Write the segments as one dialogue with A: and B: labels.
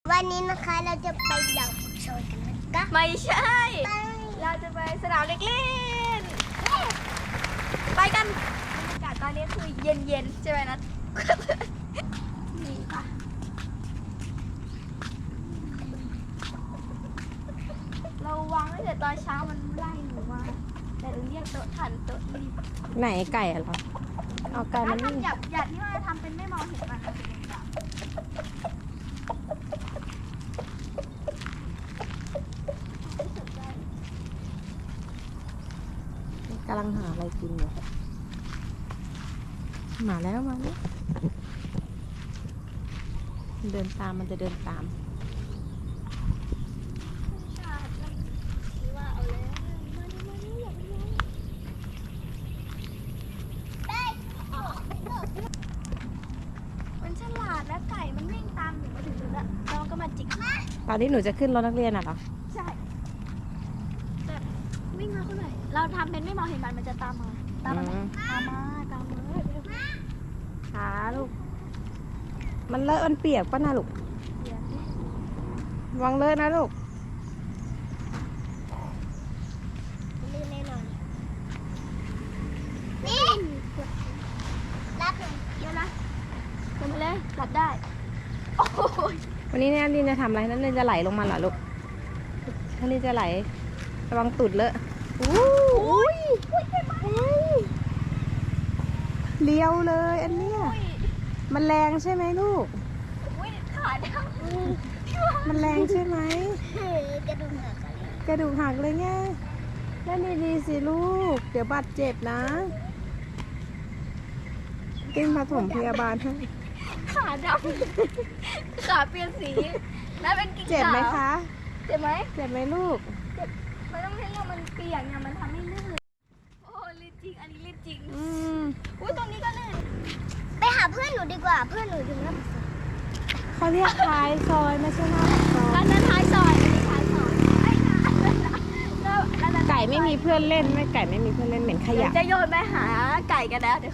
A: วันนี้นะคะเราจะไปดาวโชว์กันนะคะ
B: ไม่ใช่ เราจะไปสนามเด็กเล่นไปกันบรรยากาศตอนนี้คือเย็นๆใช่ไหมนะนี่ค่ะเราวางตั้งแต่ตอนเช้ามันไล่หนูมาแต่เราเรียกโต๊ะทันโต๊ะรีบ
C: ไหนไก่อะเหรอเอาไก่มั
B: ถ้าน ทำหยัดที่ว่าทำเป็นไม่มองเห็นมันนะ
C: กำลังหาอะไรกินอยู่มาแล้วเดินตามมันจะเดินตาม
B: มันฉลาดและไก่มันวิ่งตามหนูมาถึงจุดแล้วน้องก็มาจิก
C: ตอนที่หนูจะขึ้นรถนักเรียนอะเหรอ
B: ใช่แต่วิ่งมาเขาหน่อยเราทำเป็นไม่มองเห็นมันจะตามมาตามมาไหมตามมา
C: ขาลูกมันเลอะมันเปียกป่ะนะลูกวางเลอะนะลูก
A: ลื่นแน่นอนนี่รับหนึ่ง
B: เดี๋ยวนะลงไปเลยหลับได้โอ้ย
C: วันนี้เนี่ยลินจะทำอะไรนั่นลินจะไหลลงมาเหรอลูกถ้าลินจะไหลระวังตุดเลอะอุ้ยเลี้ยวเลยอันเนี้ยมันแรงใช่ไหมลูก
B: อุ้ยขาดาว
C: มันแรงใช่ไหม
A: กระดูกหักอะไร
C: กระดูกหักเลยไงเล่นดีๆสิลูกเดี๋ยวบาดเจ็บนะติ้งผสมพยาบาลให้
B: ขาดำขาเปลี่ยนสีแล้วเป็นกิ่ง
C: เจ็บไหมคะ
B: เจ็บไหม
C: เจ็บไหมลูก
B: มันต้องให้เรามันเปียกเนี่ยมันทำให้ลื่นโอ้ลื่นจริงอันนี้ลื่นจริง อุ้ยตรงนี้ก็ลื่น
A: ไปหาเพื่อนหนูดีกว่าเพื่อนหนูถึงแล้ว
C: เขาเรียกท้ายซอยไม่ใช่หน้าซอย
B: อันนั้นท้ายซอยอันนี้ท้ายซอยไอ้นะแล้ว
C: ไก่ไม่มีเพื่อนเล่นไม่ไก่ไม่มีเพื่อนเล่นเหม็นข
B: เดี๋ย
C: ยะ
B: วจะโยนไปหาไก่กันแล้วเดี๋ยว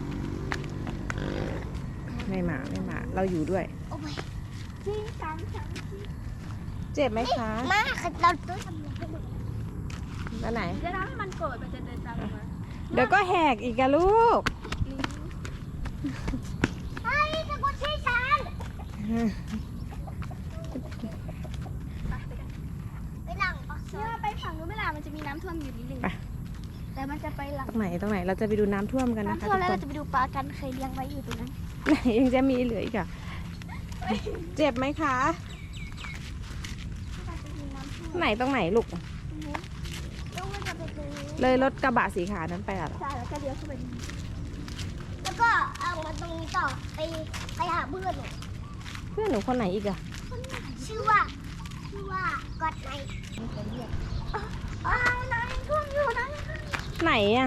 C: ไม่มาเราอยู่ด้วย
A: โอ้ย
B: จริงจัง
C: เจ็บไหมคะ
A: มาเราต้องทำอะไรให้ดู
C: แล้วไหน
B: จะทำให้มันโกรธมันจะเดินตามมา
C: เดี๋ยวก็แหกอีกอะลูก
A: เฮ้ยจะกดชี้ฉันไปหลังปักซอ
B: เนี่ย ยไปฝั่งนู้นไม่ล่ะมันจะมีน้ำท่วมอยู่นิดนึงแต่มันจะไปหลัง
C: ตรงไหนเราจะไปดูน้ำท่วมกันนะคะ
B: น้ำท่วมแล้ว
C: ทุ
B: เรา
C: ก
B: จะไปดูปลากันเคยเลี้ยงไว้อยู่ตรงนั้น
C: คนไหนยังจะมีเหลืออีกอะเจ็บไหมคะ
B: มันจะมีน้ำท่วม
C: ไหนตรงไหนลูก
B: แล้วมันจะไปตรงนี้
C: เลยรถกระบะสีขาวนั้นไปอะเหรอ
B: ใช่แล้วก็เลี้ยวเข้าไป
A: แล้วก็เอามาตรงนี้ต่อไปหาเพื่อนหนู
C: เพื่อนหนูคนไหนอีกอะ
A: ชื่อว่ากอดไนท์
B: อ้าวน้ำยังท่วมอยู่นะ
C: ไหนอะ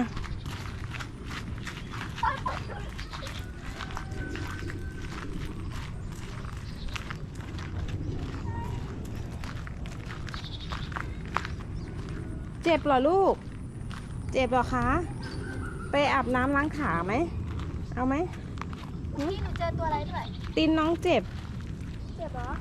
C: เจ็บเหรอลูก เจ็บเหรอคะ ไปอาบน้ำล้างขาไหม เอาไหม
B: นี่หนูเจอตัวอะไรด้วย
C: ตีนน้องเจ็บ
B: เจ็บเหรอ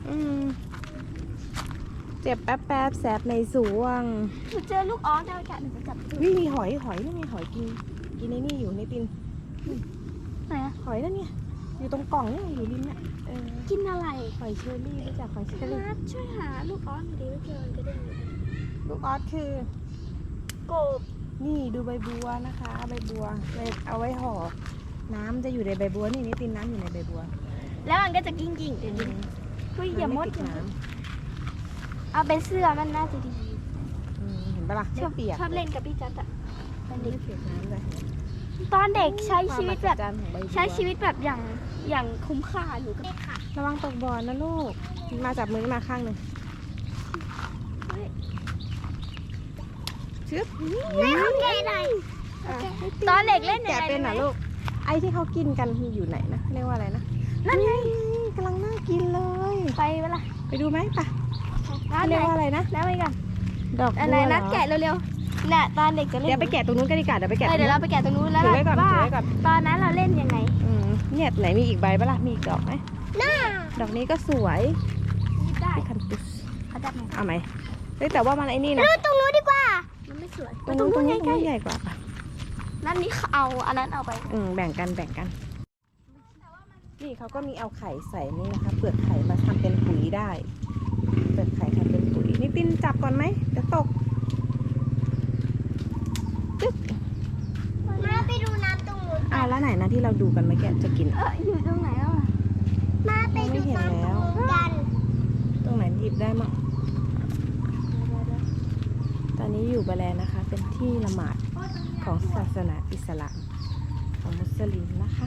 C: เจ็บแป๊บแสบในสวง
B: หนูเจอลูกออสแล้วแกหนูจะจับ
C: วิมีหอยนี่ไงหอยกินในนี่อยู่ในตีน
B: ไหนอะ
C: หอยนั่นไงอยู่ตรงกล่องนี่อยู่ริมเนี่ย
B: กินอะไร
C: หอยเชอรี่รู้จักหอยเชอรี่
B: นัดช่วยหาลูกออสหน่อยดิไม่เจอมันก็ได้อยู่
C: ลูกออสคือ
B: กบ
C: นี่ดูใบบัวนะคะใบบัวเอาไว้ห่อน้ำจะอยู่ในใบบัวนี่ตีนน้ำอยู่ในใบบัว
B: แล้วมันก็จะกิ้งเดี๋ยวนี้เฮ้ยอย่ามด
C: น้ำไม่ติดน้
B: เอาเป็นเสื้อมันน่าจะดี
C: ำเห็นปะล่ะไม่เปียก
B: ชอบเล่นกับพี่จัดอะตอนเด็ก
C: ไม่เปียกน้ำเลย
B: ตอนเด็กใช้ชีวิตแบบ
C: ความมหัศจรรย์ของใบบัว
B: ใช้ชีวิตแบบอย่างคุ้มค่าหนูก็
A: เด็กค่ะ
C: ระวังตกบ่อนะลูกมาจับมือมาข้างหนึ่งชึบ
A: ไม่โอเคเลย
B: ตอนเด็กเล่น
C: แกะเป็นเหรอลูกไอ้ที่เขากินกันอยู่ไหนนะเรียกว่าอะไรนะ
B: นั่นไง
C: กำลังน่ากินเลย
B: ไปเวลา
C: ไปดูไหมปะ
B: ร้านไห
C: เรี
B: น
C: ยกว่าอะไรนะ
B: แล้วไปกัน
C: ดอก
B: อะไร
C: บัวเหร
B: นั
C: อ
B: ดแกะเร็วๆน่ะตอนเด็กจะเล่น
C: เดี๋ยวไปแกะตรงนู้นกันดีกว่าเดี๋ยวไปแกะ
B: เดี๋ยวเราไปแกะตรงนู้นแล้ว
C: ถือไว้ก่อน
B: ว่า
C: ถือไว้ก่อน
B: ตอนนั้นเราเล่นยังไง
C: เนี่ยไหนมีอีกใบปะล่ะมีอีกดอกไหม
A: หน้า
C: ดอกนี้ก็สวย
B: ได้
C: เอาไหมเฮ้ยแต่ว่ามันไอ้นี่นะ
A: ดูตรงนู้นดีกว่า
B: มันไม่สวย
C: ตรงนู้นใกล้ใหญ่กว่าปะ
B: นั่นนี่เอาอันนั้นเอาไป
C: แบ่งกันนี่เขาก็มีเอาไข่ใส่นี่นะคะ เปลือกไข่มาทำเป็นปุ๋ยได้ เปลือกไข่ทำเป็นปุ๋ยนี่ตินจับก่อนไหมเดี๋ยวตกตึ๊บ
A: มาไปดูน้ำตรงนู้น
C: แล้วไหนนะที่เราดูกันเมื่อกี้จะกิน
B: อยู่ตรงไหนอ่ะ
A: มาไปดูน้ำตรงนู้นกัน
C: ตรงไหนหยิบได้มั่งตอนนี้อยู่บาแลนะคะ เป็นที่ละหมาดของศาสนาอิสลามของมุสลิมนะคะ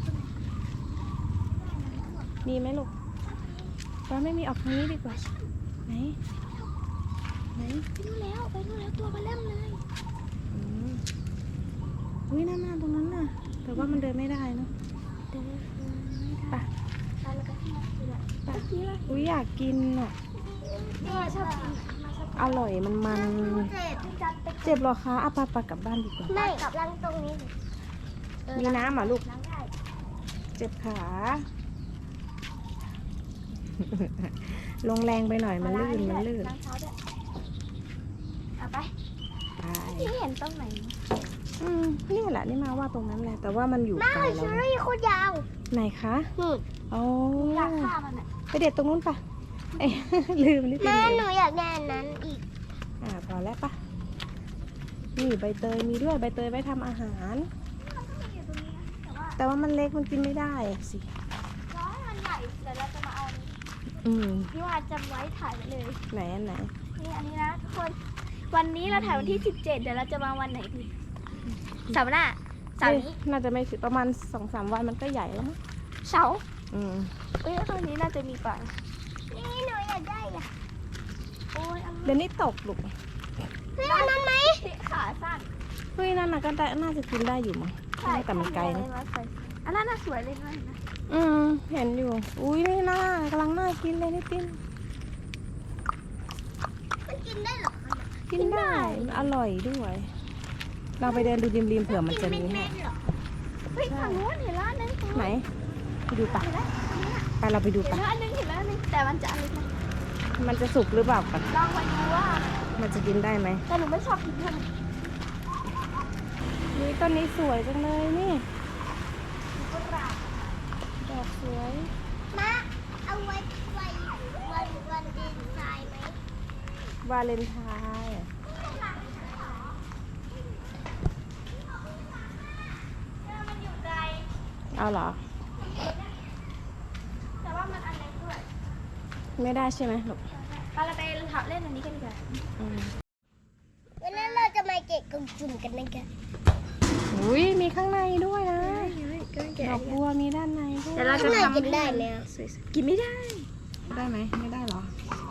C: มีไหมลูกว่าไม่มีออกทางนี้ดีกว่าไหน
B: ไปนู่นแล้วตัวมาเล่มเลย
C: อุ้ยนั่นตรงนั้นน่ะ แต่ว่ามันเดินไม่ได้เนอะไป
B: แล้วก็ที่มาคือแบบ
C: อุ้ยอยากกินอ่ะ
B: ชอบกิน
C: อร่อยมัน เจ็บเหรอคะเอาไปกลับบ้านดีกว่า
A: ไม่กับลังตรงนี้
C: มีน้ำเหรอลูก
B: ล้างได้
C: เจ็บขา ลงแรงไปหน่อยมันลื่น
B: ล้างเท้าด้วยเอาไป
C: ไป
B: ที่เห็นตรงไหน
C: นี่แหละนี่มาว่าตรงนั้นแหละ แต่ว่ามันอยู่
A: มา
C: ไกล
A: เช
C: เรา
A: อรี่โคตรยาว
C: ไหนคะ
A: นี่
C: โอ้
B: อยากฆ่ามันอ่ะ
C: ไปเด็ดตรงนู้นปะเอ้ย ลืมนิดเดี
A: แม่
C: ยว
A: หนูอยากได้อันนั้นอีก
C: พอแล้วปะนี่ใบเตยมีด้วยใบเตยไว้ทำอาหาร
B: อยู่ตรงนี้นะแต่ว่า
C: แต่ว่ามันเล็กมันกินไม่ได้อะสิ
B: ร้อยมันใหญ่เดี๋ยวเราจะมาเอาอันนี้ พี่ว่าจำไว้ถ่ายไว้เลย
C: ไหนอันไหน
B: นี่อันนี้นะทุกคน วันนี้เราถ่ายวันที่ 17 เดี๋ยวเราจะมาวันไหนดีเสาร์หน้าเสาร์นี้
C: น่าจะไม่ถึงประมาณ 2-3 วันมันก็ใหญ่แล้วมั้ง
B: เสาร์
C: อืม
B: ตอนนี้น่าจะมีป่า
A: นี่หนูอยากได้อ่ะ
B: โอ้ยอัน
C: เดี๋ยวนี้ตกลูก
A: เฮ้ยอันนั้นไหม
B: ขาสั้น
C: เฮ้ยนั่นน่ะก็ได้น่าจะกินได้อยู่มั้งแต่มันไกลนะ
B: อันนั้นน่าสวยเลยด้วยนะ
C: เห็นอยู่ อุ้ยนี่น่ากำลังน่ากินเลยนี่ติน
A: มันกินได้เหรอ
C: กินได้มันอร่อยด้วย เราไปเดินดูริมๆเผื่อมันจะมีให้
A: เหรอ
B: เฮ้ยทางนู้นเห็นแล้วอันนึง
C: ไหนไปดูปะไปเราไปดู
B: เห็น
C: ปะ
B: แล้วอันนึงแต่มันจะอะไรนะ
C: มันจะสุกหรือเปล่ากัน
B: ลองไปดูว่า
C: มันจะกินได้ไหม
B: แต่หนูไม่ชอบกินเท่าไหร่
C: นี่ต้นนี้สวยจังเลยนี่
B: ก็รา
C: ดอกสวย
A: มาเอาไว้วันเดนไซน์ไหม
C: วาเลนไทน์
B: มันอยู่ไกล
C: เอาเหรอ
B: แต่ว่ามันอันเล็กด้วย
C: ไม่ได้ใช่ไหมลูก
B: เราไปเล่นอันนี้กันดีกว่า
A: วันนั้นเราจะมาเก็บกล่องจุ่มกันนะคะ
C: อุ้ยมีข้างในด้วยนะ ดอกบัวมีด้านในด้วย
B: เดี๋ยวเราจะ
A: ข้างใน
B: ทำ
A: กินได้ไหมอะ
B: กินไม่ได้
C: ได้ไหมไม่ได้เหรอ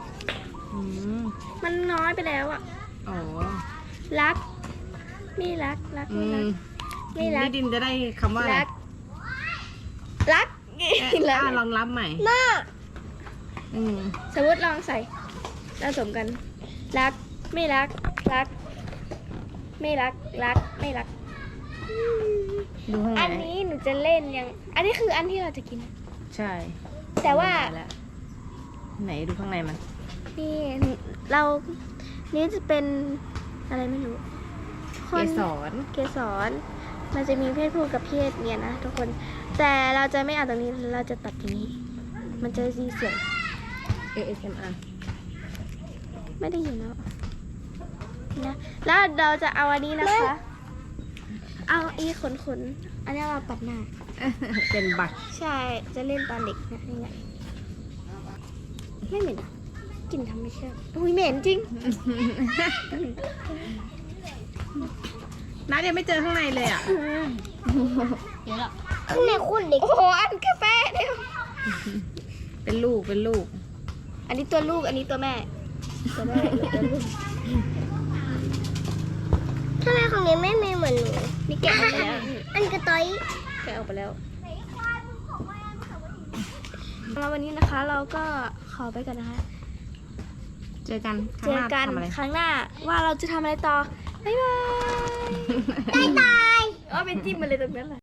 B: มันน้อยไปแล้วอ่ะ
C: อ๋อ
B: รักไม่รักไม่รักไม่รัก
C: นี่ดินจะได้คำว่าอะไร
B: รักรัก
C: ลองรับใหม่
A: มา
B: สมมติลองใส่ผสมกัน รักไม่รักรัก ไม่รักรักไม่รัก
C: ดูข้างใน
B: อันนี้หนูจะเล่นยังอันนี้คืออันที่เราจะกิน
C: ใช่
B: แต่ว่า
C: ไหนดูข้างในมัน
B: นี่เรานี่จะเป็นอะไรไม่รู้
C: เกสร
B: เกสรมันจะมีเพศผู้กับเพศเมียนะทุกคน แต่เราจะไม่เอาตรงนี้เราจะตัดอย่างนี้ มันจะมีเสียง
C: ASMR
B: ไม่ได้ยินแล้วนะแล้วเราจะเอาอันนี้นะคะ เอาอีขนอันนี้เราปัดหน้า
C: เป็นบัก
B: ใช่จะเล่นตอนเด็กนะนี่ไงไม่เหม็นอะกลิ่นธรรมชาติอุ้ยเหม็นจริง
C: น้ายังไม่เจอข้างในเลยอ่ะ
A: ข้างในคุณเด็ก
B: โอ้โหอันกาแฟเดียว
C: เป็นลูก
B: อันนี้ตัวลูกอันนี้ตัวแม่ตัวแม่ตัวลูก
A: ทำไมของนี้ไม่มีเหมือนหนู
B: นี่แกะออกไปแล้ว
A: อันกระต้อย
B: แกะออกไปแล้วแล้ววันนี้นะคะเราก็ขอไปกันนะคะ
C: เจอกัน
B: เจอกัน
C: ทำอะไร
B: ครั้งหน้าว่าเราจะทำอะไรต่อ บ๊ายบาย
A: ตาย
B: อ๋อเป็นจิ้มมาเลยตรงนั้นแหละ